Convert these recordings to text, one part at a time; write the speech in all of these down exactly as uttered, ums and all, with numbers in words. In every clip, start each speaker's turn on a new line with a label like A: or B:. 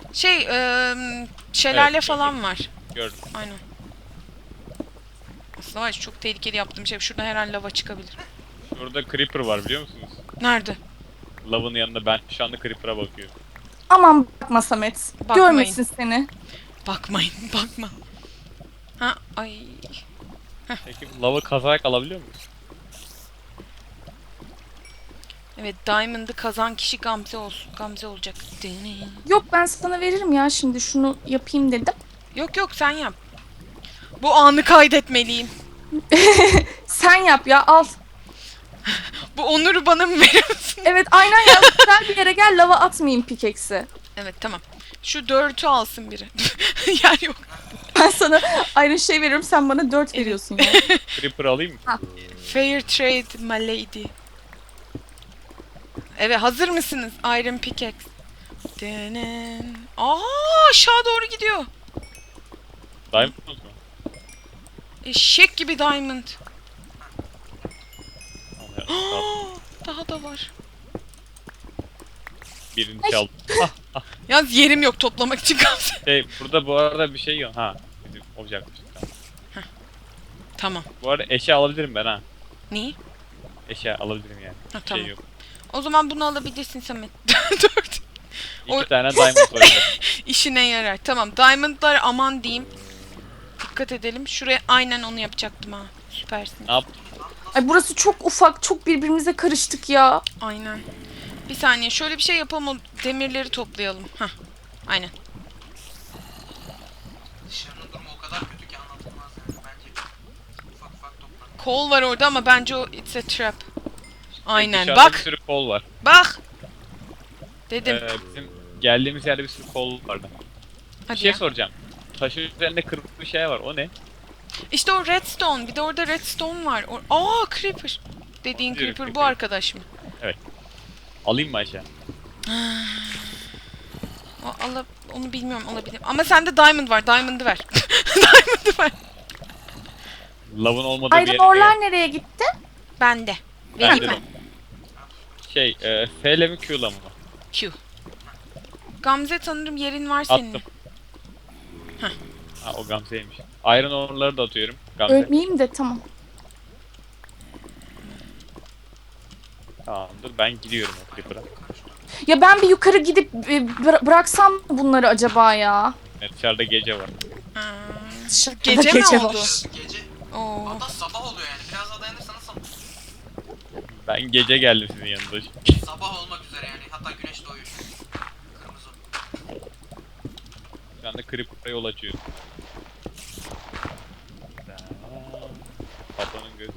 A: Şey, ıı, şelale
B: Evet,
A: falan
B: gördüm.
A: var.
B: Gördüm.
A: Aynen. Aslında var ya, çok tehlikeli yaptığım şey. Şuradan her an lava çıkabilir.
B: Şurada creeper var biliyor musunuz?
A: Nerede?
B: Lavın yanında ben şu anda creeper'a bakıyorum.
C: Aman bakma Samet.
A: Bakmayın.
C: Görmesin seni.
A: Bakmayın, bakma. Ha, ay.
B: Peki bu lavı kazarak alabiliyor muyuz?
A: Evet, Diamond'ı kazan kişi Gamze olsun. Gamze olacak.
C: Yok ben sana veririm ya şimdi şunu yapayım dedim.
A: Yok yok, sen yap. Bu anı kaydetmeliyim.
C: Sen yap ya al.
A: Bu onuru bana mı veriyorsun?
C: Evet aynen ya güzel bir yere gel lava atmayayım pikeksi.
A: Evet, tamam. Şu dörtü alsın biri. Yer yok.
C: Ben sana aynı şey veriyorum sen bana dört veriyorsun ya.
B: Creeper alayım mı?
A: Fair trade my lady. Evet, hazır mısınız? Iron pickaxe. Denen. Aa, aşağı doğru gidiyor.
B: Diamond mu?
A: Eşek gibi diamond.
B: Al ya, al.
A: Daha da var.
B: Birini çaldım.
A: Yalnız yerim yok toplamak için Gamze.
B: Şey burada bu arada bir şey yok. Ha bizim olacakmış. Tamam.
A: Tamam.
B: Bu arada eşya alabilirim ben ha.
A: Neyi?
B: Eşya alabilirim yani.
A: Ha,
B: Bir
A: tamam.
B: şey yok.
A: O zaman bunu alabilirsin Samet. Dört.
B: İki
A: O-
B: tane diamond var. orada.
A: İşine yarar. Tamam. Diamond'lar aman diyeyim. Dikkat edelim. Şuraya aynen onu yapacaktım ha. Süpersin.
B: Ne yap?
C: Ay burası çok ufak çok birbirimize karıştık ya.
A: Aynen. Bir saniye. Şöyle bir şey yapalım. O demirleri toplayalım. Hah. Aynen.
D: Dışarının durumu o kadar kötü ki anlatılmaz yani bence. Ufak ufak toprak.
A: Kol var orada ama bence o it's a trap. Aynen.
B: Dışarıda bir
A: Bak.
B: sürü kol var.
A: Bak. Dedim.
B: Ee, bizim geldiğimiz yerde bir sürü kol vardı. Bir
A: Hadi
B: şey
A: ya.
B: soracağım. Taşın üzerinde kırmızı bir şey var. O ne?
A: İşte o redstone. Bir de orada redstone var. O Aa, creeper. Dediğin
B: Yürü,
A: creeper bu
B: creeper.
A: arkadaş mı?
B: Alayım mı aşağı?
A: O, ala, onu bilmiyorum, alabilirim. Ama sende diamond var. Diamond'ı ver. Diamond'ı ver.
B: Lavın olmadığı bir
C: Iron
B: yere
C: orlar nereye gitti?
A: Bende.
B: Bende
A: Vereyim
B: de.
A: mi?
B: Şey, e, F ile mi Q ile mi?
A: Q. Gamze sanırım yerin var senin.
B: Attım.
A: Heh.
B: Ha o Gamze'ymiş. Iron ore'ları da atıyorum. Gamze.
C: Ölmeyeyim de tamam.
B: Tamam dur ben gidiyorum o Creeper'a.
C: Ya ben bir yukarı gidip e, bıra- bıraksam mı bunları acaba ya?
B: Evet, dışarıda gece var.
A: Aa,
C: Dışarıda
A: Gece mi
C: var.
A: oldu?
D: Gece
A: Oo.
D: hatta sabah oluyor yani. Biraz daha dayanırsanız sabah.
B: Ben gece geldim sizin yanınıza.
D: Sabah olmak üzere yani. Hatta güneş doğuyor. Kırmızı.
B: Şu anda Creeper'a yol açıyorum. Patronun gözü.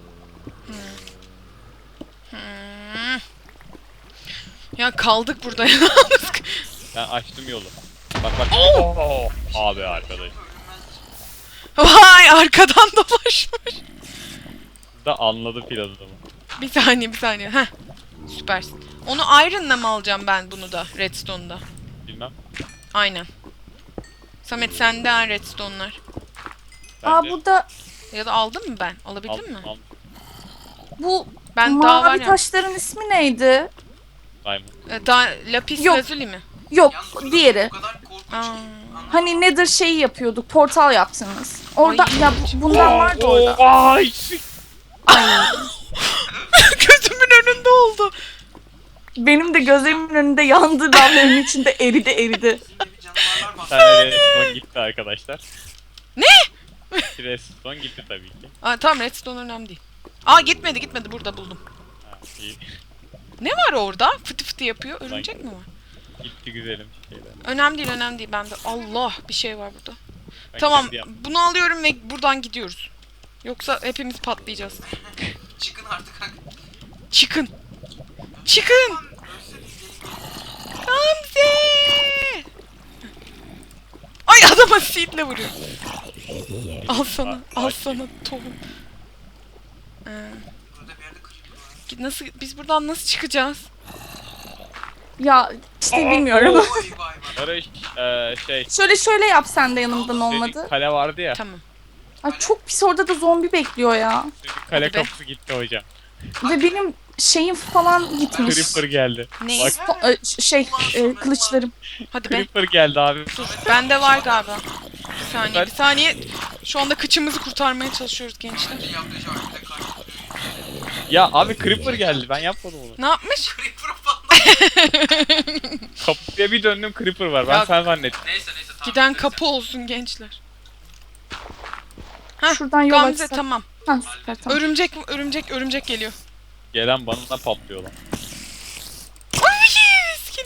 A: Hmm. Ya kaldık burada ya.
B: Ben açtım yolu. Bak bak. Oo! Abi arkadaş.
A: Vay, arkadan dolaşmış.
B: Da anladı planımı.
A: Bir saniye bir saniye. Heh. Süpersin. Onu iron'la mı alacağım ben bunu da redstone'da?
B: Bilmem.
A: Aynen. Samet sende ha redstone'lar.
B: Ben
C: Aa
B: de
C: burada
A: Ya da aldım mı ben? Alabildim
B: aldım,
A: mi?
B: aldım.
C: bu
A: Ben daha var
C: mavi
A: ya.
C: taşların ismi neydi?
B: Diamond.
A: E, da, lapis
C: Yok.
A: lazuli mi?
C: Yok
D: Yalnız burada
C: diğeri.
D: O kadar korkunç
A: Aa.
D: ki. Anladın
C: Hani Nether şeyi yapıyorduk portal yaptınız. Orada
A: Ay.
C: ya bu- bundan vardı orada.
B: Vay!
A: Gözümün önünde oldu.
C: Benim de gözlerimin önünde yandı lavların içinde eridi eridi.
D: Şimdi bir canavarlar
B: Bir
D: bastı.
B: tane redstone gitti arkadaşlar.
A: Ne?
B: Redstone gitti tabii ki.
A: Aa, tamam, redstone önemli değil. Aa, gitmedi gitmedi, burada buldum.
B: Ha, iyi.
A: Ne var orada? Fıtı fıtı yapıyor. Örümcek mi var?
B: Gitti güzelim şeyler.
A: Önemli değil, önemli değil. Bende Allah bir şey var burada.
B: Ben
A: Tamam,
B: kendi yaptım.
A: bunu alıyorum ve buradan gidiyoruz. Yoksa hepimiz patlayacağız.
D: Çıkın artık. hadi.
A: Çıkın. Çıkın. Gamze. Ay, adama seedle vuruyor. Al sana, al sana tohum. Ee,
D: Burada bir yerde creeper var.
A: git- nasıl, biz buradan nasıl çıkacağız?
C: Ya işte bilmiyorum.
D: Vay vay vay.
B: Barış eee şey
C: Şöyle şöyle yap sen de yanımdan
B: senin
C: olmadı.
B: kale vardı ya.
A: Tamam.
C: Ay çok pis orada da zombi bekliyor ya.
B: Senin kale
A: Hadi be.
B: kapısı gitti hocam.
C: Ve benim şeyim falan gitmiş.
B: Creeper geldi.
A: Ne?
B: Bak
C: Po- e, ş- şey e, kılıçlarım.
A: Hadi be.
B: Creeper geldi abi.
A: Dur. Bende var galiba. Bir saniye,
B: Ben-
A: bir saniye. Şu anda kıçımızı kurtarmaya çalışıyoruz gençler.
D: Bence yaptığı şey var. Bir de karşı duruyor.
B: Ya abi Creeper geldi. Ben yapmadım onu.
A: Ne yapmış?
D: Creeper falan.
B: Kapıya bir döndüm Creeper var. Ben
A: Ya-
B: sen zannettim.
D: Neyse neyse tamam.
A: Giden
D: neyse.
A: kapı olsun gençler. Heh,
C: Şuradan yol
A: Gamze
C: açsak.
A: tamam.
C: Ha, süper tamam.
A: Örümcek, örümcek, örümcek geliyor.
B: Gelen bana patlıyor lan.
A: Ay, skin.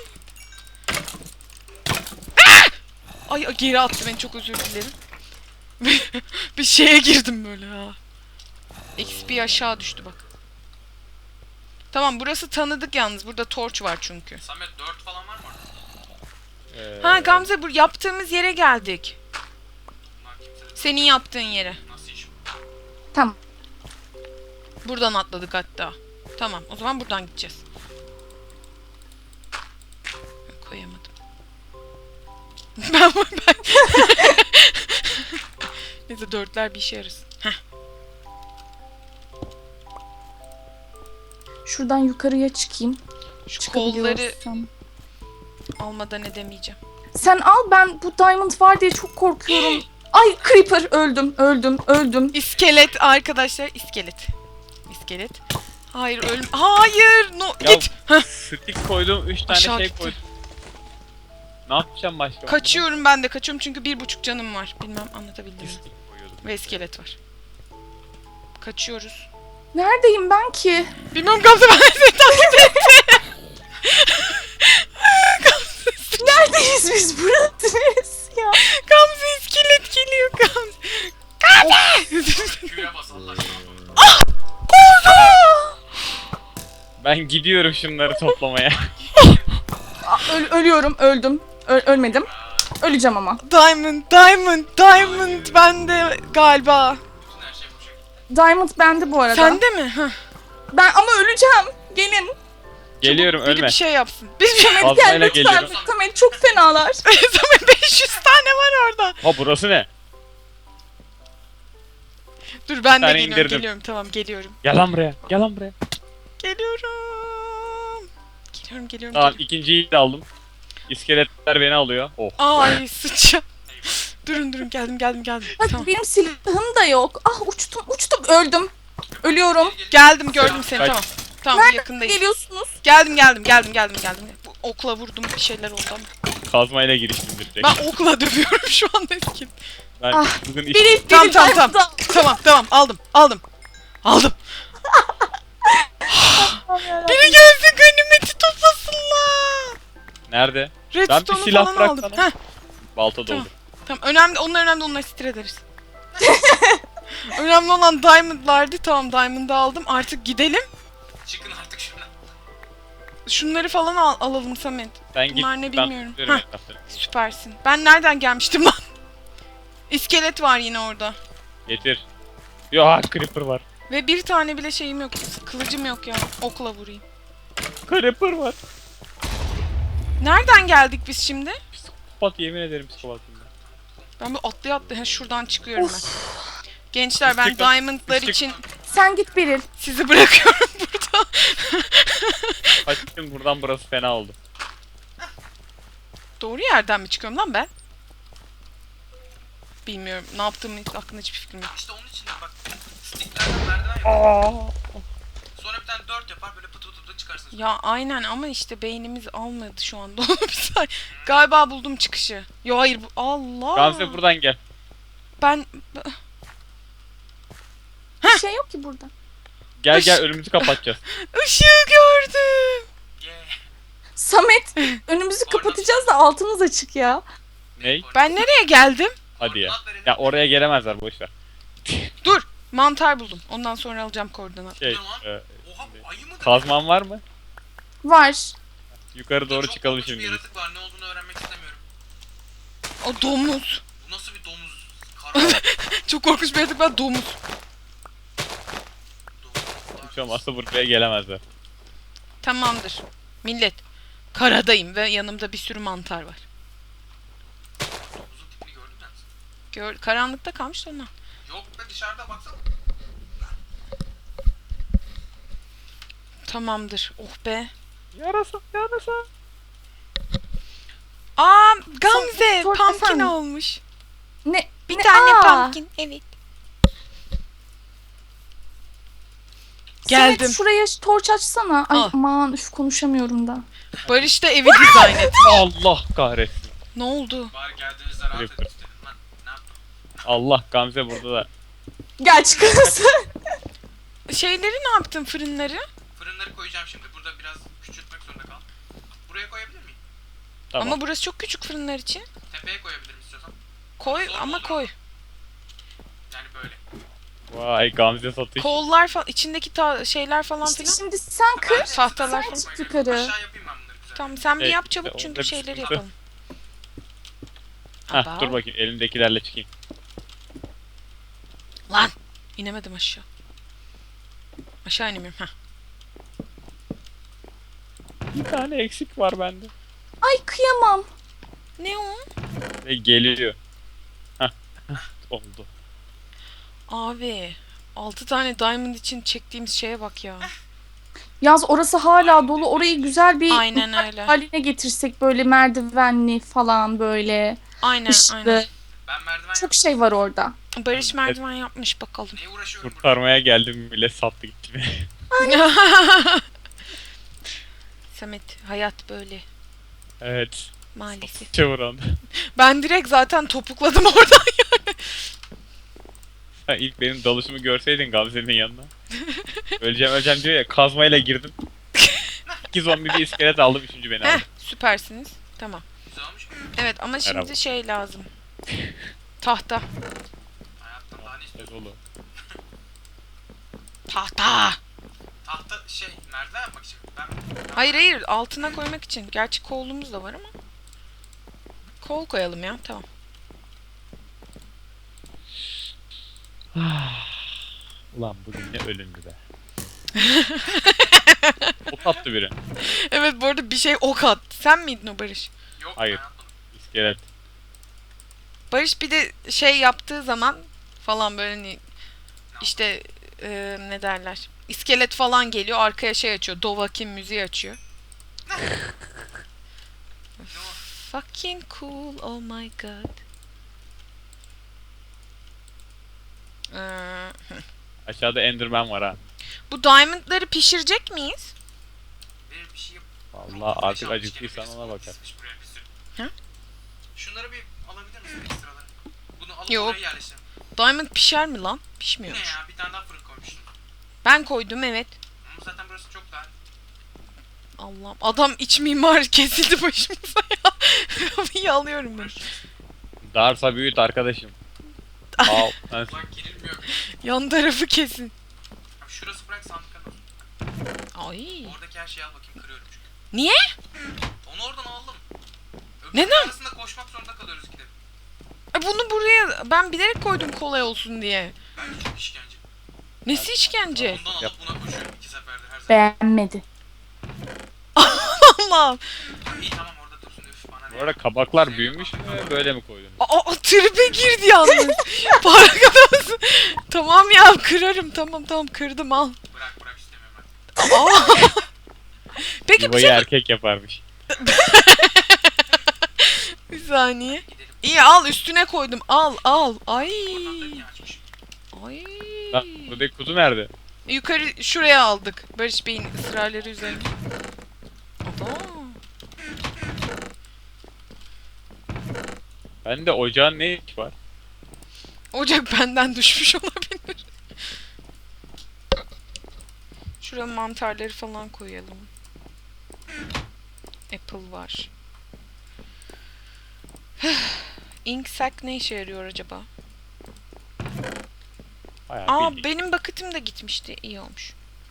A: Ah! Ay geri attı beni, çok özür dilerim. Bir şeye girdim böyle ha. X P aşağı düştü bak. Tamam, burası tanıdık yalnız. Burada torç var çünkü.
D: Samet dört falan var mı orada?
B: Ee,
A: Ha Gamze, bu yaptığımız yere geldik.
D: Bunlar kimse de
A: Senin yaptığın yere.
D: nasıl iş bu?
C: Tamam.
A: Buradan atladık hatta. Tamam, o zaman buradan gideceğiz. Koyamadım. ben ben. Neyse, dörtler bir işe yarasın. Heh.
C: Şuradan yukarıya çıkayım.
A: Şu kolları
C: Çıkabiliyorsam.
A: almadan edemeyeceğim.
C: Sen al, ben bu diamond var diye çok korkuyorum. Ay creeper, öldüm öldüm öldüm.
A: İskelet arkadaşlar, iskelet. İskelet. Hayır, ölüm. Hayır, no
B: Ya-
A: git. Heh.
B: Stick koydum. Üç tane
A: Aşağı
B: şey
A: gitti.
B: koydum. Ne yapacağım başka?
A: Kaçıyorum, ben de kaçıyorum çünkü bir buçuk canım var. Bilmem anlatabildim mi?
B: Stick koyuyordum.
A: Ve iskelet var. Kaçıyoruz.
C: Neredeyim ben ki?
A: Bilmem Gamze, ben seni takip ettim. Gamze,
C: Neredeyiz biz? Burası neresi ya?
A: Gamze iskelet geliyor Gamze. Gamze!
D: Q'ya bas Allah aşkına.
B: Ben gidiyorum şunları toplamaya.
C: Aa, öl- ölüyorum, öldüm. Ö- ölmedim. Öleceğim ama.
A: Diamond, diamond, diamond bende galiba.
D: Bütün her şey bu şekilde.
C: Diamond bende bu arada.
A: Sende mi? Heh.
C: Ben ama öleceğim. Gelin.
B: Geliyorum
A: Biri
B: ölme.
A: bir şey yapsın. Bir şey
C: Samet
B: Fazlayla
C: gel lütfen.
B: geliyorum.
C: Samet çok fenalar.
A: Samet, beş yüz tane var orada.
B: Ha burası ne?
A: Dur, ben de
B: tane
A: geliyorum,
B: indirdim.
A: geliyorum. Tamam, geliyorum.
B: Gel lan buraya. Gel lan buraya.
A: Geliyorum. Geliyorum, geliyorum.
B: Tamam
A: geliyorum.
B: ikinciyi de aldım. İskeletler beni alıyor. Oh.
A: Ay sıçacağım. Durun durun, geldim geldim geldim.
C: Hadi
A: Tamam.
C: benim silahım da yok. Ah uçtum uçtum öldüm. Ölüyorum.
A: Geldim, gördüm seni,
B: Kaç.
A: tamam. Tamam,
C: Nereden
A: yakındayız.
C: geliyorsunuz?
A: Geldim geldim geldim geldim geldim. Bu okla vurdum, bir şeyler oldu ama.
B: Kazmayla giriştim direkt.
A: Ben okla dövüyorum şu anda eski.
B: Ben
C: Ah,
B: bugün iş...
C: Biri, biri
A: Tamam tamam tamam.
C: diamond
A: Tamam tamam, aldım aldım. Aldım.
C: al.
A: Biri gelsin, ganimeti toplasınlar.
B: Nerede?
A: Redstone'u
B: silah
A: falan
B: bırak
A: aldım.
B: bana.
A: Heh,
B: Balta
A: Tamam.
B: doldu.
A: tamam, önemli, onlar önemli, onları sitir ederiz. Önemli olan diamondlardı. Tamam, diamond'ı aldım. Artık gidelim.
D: Çıkın artık şuradan.
A: Şunları falan al alalım Samet.
B: Sen git.
A: Bunlar ne
B: ben
A: bilmiyorum.
B: tutuyorum
A: Heh.
B: etrafları.
A: Süpersin. Ben nereden gelmiştim lan? İskelet var yine orada.
B: Getir. Ya creeper var.
A: Ve bir tane bile şeyim yok. Kılıcım yok ya. Okla vurayım.
B: Creeper var.
A: Nereden geldik biz şimdi?
B: Psikopat yemin ederim psikopatım ben.
A: Ben bir atlaya atlaya şuradan çıkıyorum ben. Gençler, ben
B: Çık-
A: diamondlar
B: çık-
A: için
C: Sen git Beril.
A: sizi bırakıyorum burada.
B: Kaçtım buradan, burası fena oldu.
A: Doğru yerden mi çıkıyorum lan ben? Bilmiyorum. Ne yaptığımın hiç aklımda hiçbir fikrim yok.
D: İşte onun için de bak. Sticklerden merdiven yap. Sonra bir tane dört yapar böyle pıtı pıtı pıtı çıkarsın.
A: Ya aynen, ama işte beynimiz almadı şu anda. Bir saniye. Galiba buldum çıkışı. Yo hayır, bu Allah.
B: Gamze buradan gel.
A: Ben
C: Bir şey yok ki burada.
B: Gel gel
A: Iş-
B: önümüzü kapatacağız.
A: ışığı gördüm.
D: Yeah.
C: Samet önümüzü kapatacağız da altımız açık ya.
B: Ney?
A: Ben nereye geldim?
B: Hadi ya.
D: Koordinat verelim.
B: Ya oraya gelemezler, boşver.
A: Dur. Mantar buldum. Ondan sonra alacağım koordinat.
B: Şey,
D: Ne lan?
B: e,
D: Oha bu ayı mıdır?
B: kazman var mı?
C: Var.
B: Yukarı doğru
D: Çok
B: çıkalım
D: korkunç
B: şimdi.
D: Bir yaratık var, ne olduğunu öğrenmek istemiyorum.
A: O domuz.
D: Bu nasıl bir domuz? Kara
A: Çok korkunç bir yaratık var. Domuz.
D: domuz.
B: Hiç olmazsa buraya gelemezler.
A: Tamamdır. Millet. Karadayım ve yanımda bir sürü mantar var.
D: Domuzun tipini gördün mü?
A: Gör, karanlıkta kalmış da ondan.
D: Yok be, dışarıda baksana.
A: Tamamdır. Oh be.
B: Yarasa, yarasa.
A: Aa Gamze
C: Sor-
A: pumpkin
C: efendim?
A: olmuş.
C: Ne?
A: Bir
C: ne?
A: tane
C: Aa!
A: pumpkin. Evet. Geldim.
C: Samet şuraya torç açsana. Ay
A: Al.
C: aman üf konuşamıyorum da.
A: Barış da evi dizayn et.
B: Allah kahretsin.
A: Ne oldu?
D: Bari geldiğinizde rahat edin
B: Creeper.
D: istedim lan. Ne yaptım?
B: Allah, Gamze burada da.
C: Gel çıkarız.
A: Şeyleri ne yaptın fırınları?
D: Fırınları koyacağım şimdi. Burada biraz küçültmek zorunda kaldım. Buraya koyabilir miyim?
B: Tamam.
A: Ama burası çok küçük fırınlar için.
D: Tepeye koyabilirim istiyorsan.
A: Koy
D: Zor mu
A: ama
D: olur?
A: koy.
D: Yani böyle.
B: Vay, Gamze satış.
A: Kollar falan içindeki ta- şeyler falan
C: İşte
A: filan.
C: şimdi sen kır.
A: Tahtalar
C: Sen
A: falan.
C: çık yukarı.
D: Aşağı yapayım ben bunları güzel.
A: Tamam sen bir
B: Evet,
A: yap çabuk
B: işte
A: çünkü
B: onda bir
A: şeyleri
B: sıkıntı.
A: yapalım.
B: Hah,
A: Aba.
B: dur bakayım elimdekilerle çıkayım.
A: Lan inemedim aşağı. Aşağı inemiyorum. Heh.
B: Bir tane eksik var bende.
C: Ay kıyamam.
A: Ne o?
B: Ve geliyor. Hah. Oldu.
A: Abi altı tane diamond için çektiğimiz şeye bak ya.
C: Yaz orası hala dolu. Orayı güzel bir
A: Aynen öyle.
C: haline getirsek böyle merdivenli falan böyle.
A: Aynen
C: Işıklı.
A: aynen.
D: Ben merdiven
C: Çok şey var orada.
A: Barış merdiven yapmış bakalım.
D: Neye uğraşıyorum burada?
B: Kurtarmaya geldim bile sattı gitti beni.
A: Samet hayat böyle
B: Evet.
A: maalesef.
B: Çavuran.
A: Ben direkt zaten topukladım oradan yani.
B: Sen ilk benim dalışımı görseydin Gamze'nin yanına. Öleceğim öleceğim diyor ya, kazmayla girdim. İki zombi bir iskelet aldım, üçüncü beni
A: Heh
B: aldı.
A: süpersiniz. Tamam.
D: Güzel olmuş mu?
A: Evet ama şimdi
B: Merhaba.
A: şey lazım. Tahta.
D: Hayattan daha ne istiyorsun?
B: Evet oğlum.
A: Tahta.
D: Tahta şey merdiven yapmak için. Ben, ben
A: Hayır hayır altına koymak için. Gerçi kolumuz da var ama. Kol koyalım ya tamam.
B: Ulan bugün ne ölümdü be. Ok attı biri.
A: Evet bu arada bir şey ok at. Sen miydin o Barış?
D: Yok
B: Hayır.
D: ben yapmadım.
B: İskelet.
A: Barış bir de şey yaptığı zaman falan böyle hani işte e, ne derler? İskelet falan geliyor arkaya şey açıyor. Dovahkiin müziği açıyor. Fucking cool oh my god. Ee,
B: Aşağıda Enderman var ha.
A: bu diamondları pişirecek miyiz?
D: Benim bir şey yap.
B: Vallahi artık acıktıysan ona bakar.
D: Buraya bir sürü.
A: Ha?
D: Şunları bir alabilir misin ekstraları? Bunu alıp
A: Yok.
D: oraya yerleştirelim.
A: Diamond pişer mi lan?
D: Bu ne
A: Pişmiyormuş.
D: ya? Bir tane daha fırın koymuşsun.
A: Ben koydum evet.
D: Ama zaten burası çok daha.
A: Allah'ım adam iç mimar kesildi başımıza ya. Kapıyı alıyorum ben.
B: Darsa büyüt arkadaşım. Al. Ben
D: Bak girilmiyor.
A: Yan tarafı kesin.
D: Abi şurası bırak sandıklar olsun.
A: Ay.
D: Oradaki her şeyi al bakayım, kırıyorum çünkü.
A: Niye?
D: Onu oradan alalım. Öbür
A: Neden?
D: arasında koşmak zorunda kalıyoruz ikide.
A: E bunu buraya ben bilerek koydum kolay olsun diye.
D: Bence çok işkence.
A: Nesi işkence?
D: Ondan alıp
B: Yap.
D: buna koşuyorum iki seferde her zaman.
C: Beğenmedi.
A: Allah'ım.
D: İyi tamam orada dursun üf bana
B: Bu
D: ne.
B: arada kabaklar büyümüş mü? Böyle mi koydun?
A: Aa, aa tribe girdi yalnız. Farkında mısın? Tamam ya kırarım tamam tamam kırdım al.
D: Bırak bırak istemiyorum ben.
A: Aa. Peki bir
B: Yuvayı
A: şey
B: erkek yaparmış.
A: bir saniye.
D: Gidelim.
A: İyi al üstüne koydum al al. Ay.
D: Oradan da niye açmış?
A: Ay.
B: Lan buradaki kutu nerede?
A: Yukarı şuraya aldık. Barış Bey'in ısrarları üzerine. Aba.
B: Bende ocağın ne iş var?
A: Ocak benden düşmüş olabilir. Şuraya mantarları falan koyalım. Apple var. Ink sac ne işe yarıyor acaba?
B: Bayağı
A: Aa
B: bildiğin.
A: benim bucket'ım da gitmişti. İyi olmuş.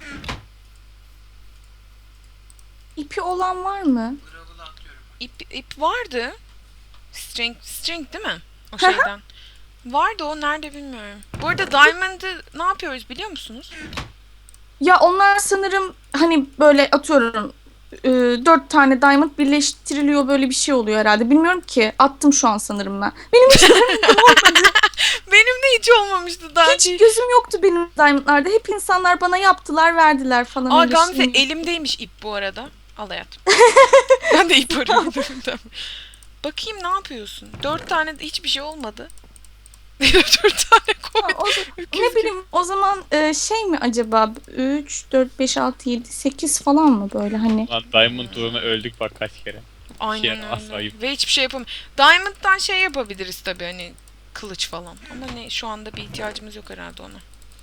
C: İpi olan var mı?
D: Gravel'ı atıyorum ben.
A: İp, ip vardı. String, string değil mi? O şeyden. Vardı o nerede bilmiyorum. Bu arada Diamond'ı ne yapıyoruz biliyor musunuz?
C: Ya onlar sanırım hani böyle atıyorum e, dört tane diamond birleştiriliyor, böyle bir şey oluyor herhalde. Bilmiyorum ki. Attım şu an sanırım ben. Benim hiç diamond'ım olmadı.
A: Benim de hiç olmamıştı daha
C: Hiç
A: önce.
C: gözüm yoktu benim diamondlarda. Hep insanlar bana yaptılar, verdiler falan.
A: Aa
C: öyle
A: Gamze
C: şey.
A: elimdeymiş ip bu arada. Al hayatım. Ben de ip arıyorum. Tamam. Bakayım ne yapıyorsun? Dört tane de hiçbir şey olmadı. Dört tane
C: Ha,
A: koy.
C: o,
A: Öküz
C: ne
A: gibi.
C: bileyim o zaman e, şey mi acaba üç, dört, beş, altı, yedi, sekiz falan mı böyle hani?
B: Lan Diamond uğruna öldük bak kaç kere.
A: Aynen
B: Şey, asla
A: öyle.
B: ayıp.
A: Ve hiçbir şey yapamam. Diamond'dan şey yapabiliriz tabii hani kılıç falan. Ama ne şu anda bir ihtiyacımız yok herhalde ona.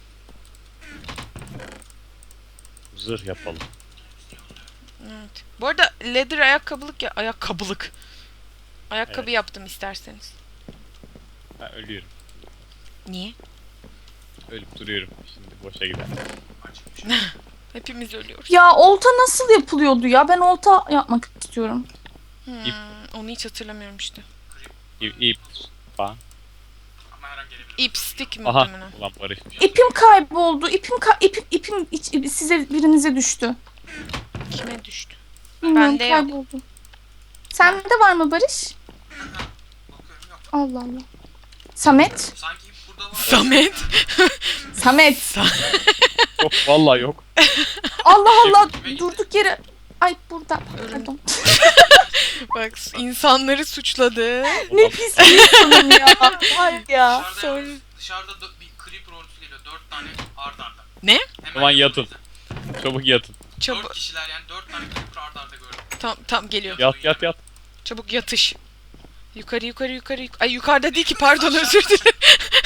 B: Zırh yapalım.
A: Evet. Bu arada leather ayakkabılık ya ayakkabılık. Ayakkabı
B: Evet.
A: yaptım isterseniz.
B: Ben ölüyorum.
A: Niye?
B: Ölüp duruyorum. Şimdi boşa gider.
A: Hepimiz ölüyoruz.
C: Ya olta nasıl yapılıyordu ya? Ben olta yapmak istiyorum.
A: Hmm,
B: İp.
A: onu hiç hatırlamıyorum işte.
B: İp, ip falan.
D: Ama her an gelebilir.
A: İp stick
B: Aha.
A: muhtemelen.
B: Ulan barışmış.
C: İpim kayboldu. İpim ka ipim ipim iç- size birinize düştü.
A: Kime düştü?
C: Bilmiyorum,
A: Bende yok.
C: kayboldu. Sende var mı Barış?
D: Bakıyorum yok.
C: Allah Allah. Samet?
D: Sanki ip burada var.
A: Samet.
C: Samet.
B: Yok vallahi yok.
C: Allah Allah, durduk yere. Ay burada. Pardon.
A: Bak insanları suçladı.
C: Ne pis bir insanım ya. Var ya.
D: Dışarıda,
A: Sonra-
D: yalnız- dışarıda dö- bir creeper ordusu geliyor. Dört tane ard arda.
A: Ne?
D: Hemen
B: Aman yatın.
D: yanımızda.
B: Çabuk yatın.
A: Çabuk.
D: Dört kişiler yani dört tane creeper ard arda gördüm.
A: Tam tam geliyor.
B: Yat yat yat.
A: Çabuk yatış. Yukarı yukarı yukarı. yuk- Ay yukarıda değil ki pardon özür dilerim.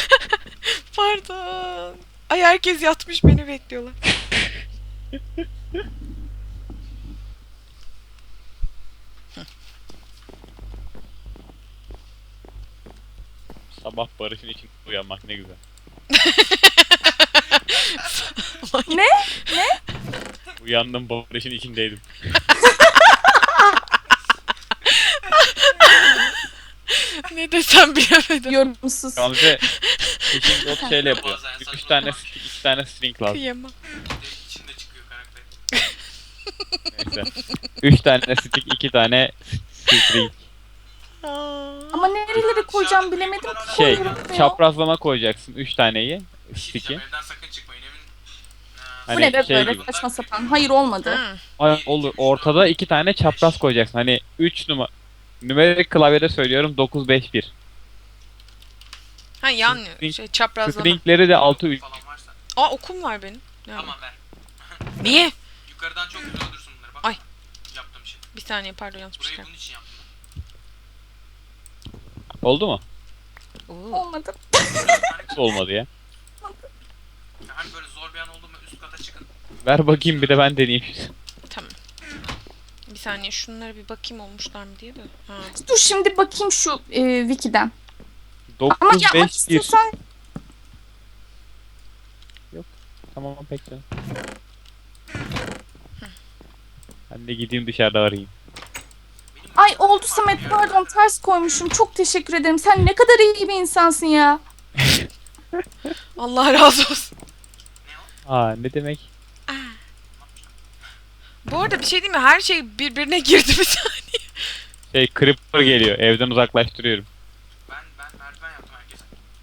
A: Pardon. Ay herkes yatmış beni bekliyorlar.
B: Sabah barışın için uyanmak ne güzel.
C: Ne?
B: Uyandım barışın içindeydim.
A: Ne desem bilemedim.
C: Yorumsuz.
B: Gamze fishing rod şeyle yapıyor.
D: Bazen
B: Üç
D: saçma
B: tane
D: sapan.
B: stick, iki tane string lazım.
A: Kıyamam.
D: Direkt içinde çıkıyor karakter.
B: Neyse. Üç tane stick, iki tane string.
A: Aa.
C: Ama nerelere koyacağım bilemedim ki.
B: Şey,
C: koyuyorum ya.
B: çaprazlama koyacaksın üç taneyi.
D: Bir şey
B: Stick'i.
D: diyeceğim, evden sakın çıkmayın evin.
C: Bu
B: Hani
C: ne be
B: şey
C: böyle
B: gibi.
C: saçma sapan. Hayır olmadı.
A: Hı.
B: Ay, olur. Ortada iki tane çapraz koyacaksın. Hani üç numara. Numerik klavyede söylüyorum dokuz beş bir.
A: Ha yan
B: String-
A: şey çaprazlama.
B: Stringleri de altı üç.
D: Falan varsa.
A: Aa okum var benim. Ne
D: Tamam
A: yapayım?
D: ver.
A: Niye?
D: Yukarıdan çok güzel öldürsün bunları bak.
A: Ay.
D: Yaptığım şey.
A: Bir saniye pardon yanlış bir
D: Burayı
A: şey.
D: bunun için yaptım.
B: Oldu mu?
A: Oo.
C: Olmadı.
B: Nasıl olmadı ya?
D: Ya hani böyle zor bir an oldu mu üst kata çıkın.
B: Ver bakayım bir de ben deneyeyim.
A: Tamam. Bir saniye şunlara bir bakayım olmuşlar mı diye de. Ha.
C: Dur şimdi bakayım şu e, wiki'den. Ama
B: dokuz
C: yapmak
B: beş bir.
C: istiyorsan
B: Tamam pek canım. Ben de gideyim dışarıda arayayım.
D: Benim
C: ay
D: makinem
C: oldu
D: var
C: Samet,
D: ya.
C: pardon ters koymuşum. Çok teşekkür ederim. Sen ne kadar iyi bir insansın ya.
A: Allah razı olsun.
D: Ne o?
B: Aa ne demek?
A: Bu arada bir şey değil mi? Her şey birbirine girdi bir saniye.
B: Şey creeper geliyor. Evden uzaklaştırıyorum.
D: Ben ben merdiven yaptım herkese.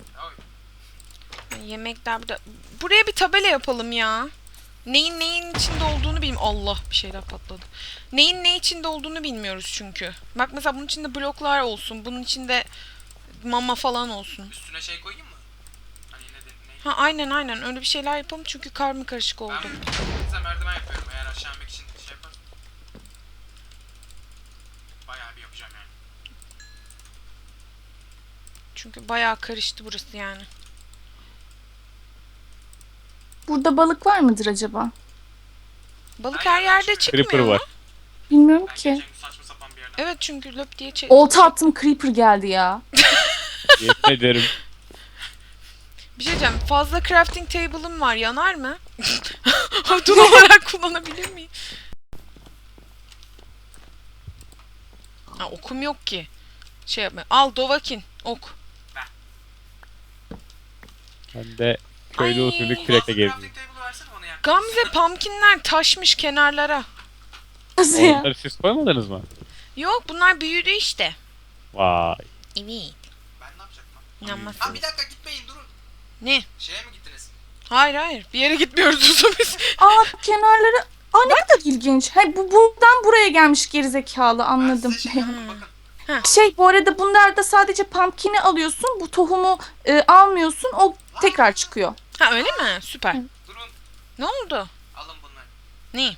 D: Oy.
A: Yemekler burada. Buraya bir tabela yapalım ya. Neyin neyin içinde olduğunu bilmiyorum. Allah bir şeyler patladı. Neyin ne içinde olduğunu bilmiyoruz çünkü. Bak mesela bunun içinde bloklar olsun. Bunun içinde mama falan olsun.
D: Üstüne şey koyayım mı? Hani ne de ne?
A: Ha aynen aynen öyle bir şeyler yapalım çünkü karma karışık oldu.
D: Ben size merdiven yapıyorum eğer aşağı inmek için şey yaparım. Bayağı bir yapacağım yani.
A: Çünkü bayağı karıştı burası yani.
C: Burada balık var mıdır acaba?
A: Balık her yerde çıkmıyor
B: Creeper
A: mu?
B: var.
C: Bilmiyorum
D: Ben
C: ki.
D: geçen gün saçma sapan bir yerden.
A: Evet çünkü löp diye çek.
C: Olta attım, creeper geldi ya.
B: Yemin ederim.
A: Bir şey diyeceğim. Fazla crafting table'ım var. Yanar mı? Odun olarak kullanabilir miyim? Ha, okum yok ki. Şey yapma. Al Dovakin. Ok.
B: Ben de köylü
A: Ay.
B: usulü
D: Fazla
B: kürekle geziyorum.
D: crafting table versene bana ya.
A: Gamze pumpkinler taşmış kenarlara.
C: Nasıl ya?
B: Onları siz koymadınız mı?
A: Yok bunlar büyüdü işte.
B: Vay.
A: Evet.
D: Ben ne yapacaktım? Ha
A: İnanmazsın.
D: bir dakika gitmeyin durun.
A: Ne?
D: Şeye mi gittiniz?
A: Hayır hayır. Bir yere gitmiyoruz Uzun biz.
C: Aa kenarları... Aa ne kadar ilginç. Hayır bu buradan buraya gelmiş gerizekalı anladım.
D: Ben size şey yaptım bakın.
C: Şey bu arada bunlarda sadece pumpkin'i alıyorsun. Bu tohumu e, almıyorsun. O tekrar çıkıyor.
A: Ha öyle mi? Süper.
D: Durun.
A: Ne oldu?
D: Alın bunları.
A: Ne?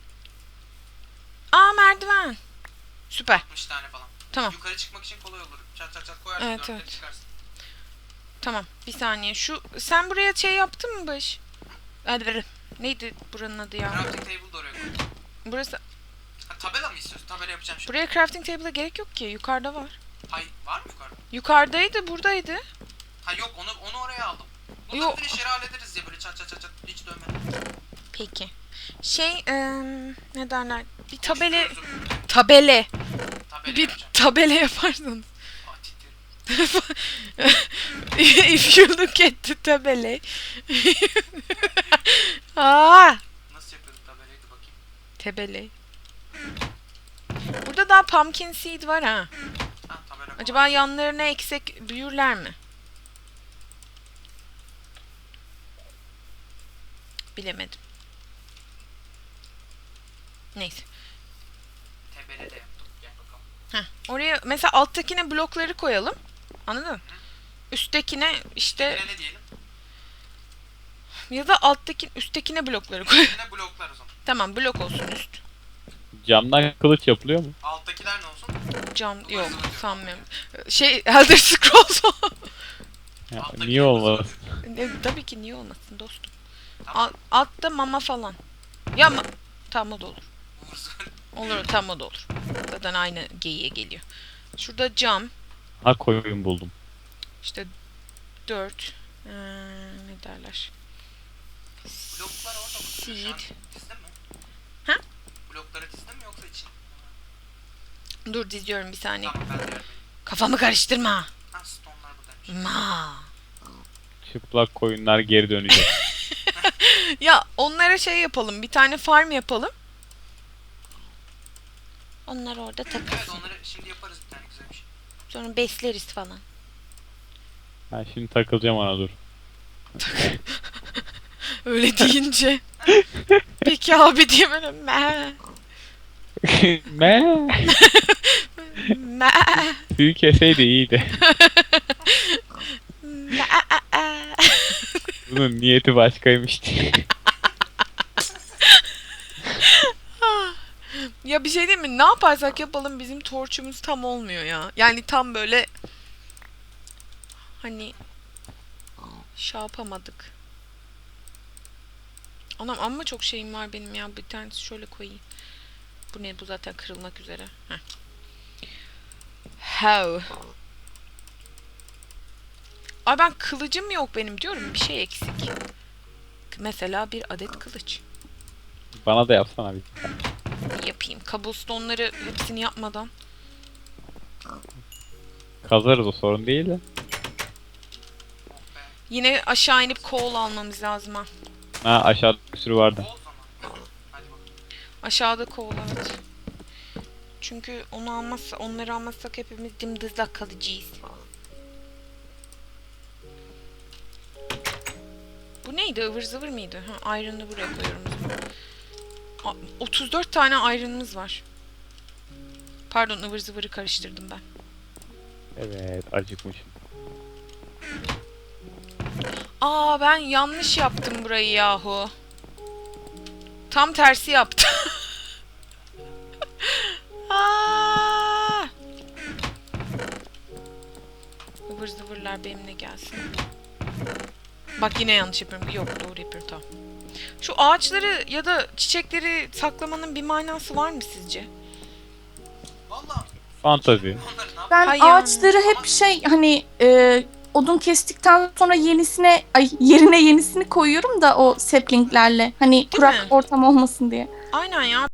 A: Aa merdiven. Süper.
D: altmış tane falan.
A: Tamam.
D: Yukarı çıkmak için kolay olur. Çat çat çat koyarsın.
A: Evet,
D: dörtleri
A: evet.
D: çıkarsın.
A: Tamam. Bir saniye. Şu sen buraya şey yaptın mı Baş? Hadi ver. Neydi buranın adı ya?
D: Crafting table da oraya koy.
A: Burası.
D: Ha, tabela mı istiyorsun? Tabela yapacağım şimdi.
A: Buraya crafting table'a gerek yok ki. Yukarıda var.
D: Hay var mı yukarıda?
A: Yukarıdaydı, buradaydı.
D: Ha yok onu onu oraya aldım. Burada
A: Yok.
D: bir de işleri hallederiz ya böyle çat çat çat çat hiç dönmeden.
A: Peki. Şey, eee, ne derler? Bir tabele,
D: Konuşturuyoruz.
A: tabele.
D: Tabela
A: Bir
D: yapacağım.
A: tabele yaparsanız.
D: Aa, titrerim.
A: If you look at the tabele. Aa,
D: Nasıl yapıyorduk tabelayı da bakayım.
A: tabele. Burada daha pumpkin seed var ha.
D: Ha tabela kolay.
A: Acaba yanlarına eksek büyürler mi? Bilemedim. Neyse.
D: Tebele de yaptım. Gel bakalım.
A: Heh, oraya mesela alttakine blokları koyalım. Anladın mı? Üsttekine işte
D: Tebele ne diyelim?
A: ya da alttaki üsttekine blokları koy.
D: Yine bloklar o zaman.
A: Tamam blok olsun üst.
B: Camdan kılıç yapılıyor mu?
D: Alttakiler ne olsun?
A: Cam
D: Ivır
A: yok
D: zıvır diyor.
A: sanmıyorum. Şey Elder Scrolls o.
B: Ya,
D: Alttakiler
B: niye olmaz?
A: Ne, tabii ki niye olmasın dostum.
D: Tamam.
A: Al, altta mama falan. Ya ma tamam o da olur.
D: Ivır zıvır.
A: Olur tamam o da olur. Zaten aynı geyiğe geliyor. Şurada cam.
B: Ha koyun buldum.
A: İşte dört. Ee, ne derler?
D: Bloklar orada mı? Şu an
A: Seed.
D: Dizdin mi?
A: Ha?
D: Blokları dizdin mi yoksa için?
A: Dur diziyorum bir saniye.
D: Tamam ben de vermeyeyim.
A: Kafamı karıştırma.
D: Ha stone'lar buradaymış.
A: Ma.
B: Çıplak koyunlar geri dönecek.
A: Ya onlara şey yapalım. Bir tane farm yapalım. Onlar orada
D: Evet
A: takılsın.
D: onları şimdi yaparız bir tane güzel bir şey.
A: Sonra besleriz falan.
B: Ben şimdi takılacağım ona dur.
A: Öyle deyince. Peki abi diye böyle me
B: Me.
A: me
B: Suyu keseydi iyiydi.
A: me
B: Bunun niyeti başkaymış diye.
A: Ya bir şey değil mi? Ne yaparsak yapalım bizim torçumuz tam olmuyor ya. Yani tam böyle hani şey yapamadık. Anam amma çok şeyim var benim ya. Bir tanesi şöyle koyayım. Bu ne? Bu zaten kırılmak üzere. Heh. How? Ay ben kılıcım yok benim diyorum. Bir şey eksik. Mesela bir adet kılıç.
B: Bana da yapsana bir.
A: Yapayım. Cobblestone'ları hepsini yapmadan.
B: Kazarız o sorun değil de.
D: Oh be.
A: Yine aşağı inip coal almamız lazım ha.
B: Ha aşağıda bir sürü vardı.
D: O zaman. Hadi bakalım.
A: Aşağıda coal evet. Çünkü onu almazsa, onları almazsak hepimiz dımdızlak kalacağız. Bu neydi? Ivır zıvır mıydı? Ha, iron'ı buraya koyuyorum. o zaman. A- otuz dört tane iron'ımız var. Pardon ıvır zıvırı karıştırdım ben.
B: Evet acıkmışım.
A: Aa ben yanlış yaptım burayı yahu. Tam tersi yaptım. Aa! Ivır zıvırlar benimle gelsin. Bak yine yanlış yapıyorum. Yok doğru yapıyorum tamam. Şu ağaçları ya da çiçekleri saklamanın bir manası var mı sizce?
D: Valla.
B: Fantazi.
D: Onları ne yap?
C: Ben
A: Hay
C: ağaçları hep şey hani e, odun kestikten sonra yenisine ay yerine yenisini koyuyorum da o saplinglerle. Hani kurak
A: mi?
C: ortam olmasın diye.
A: Aynen ya.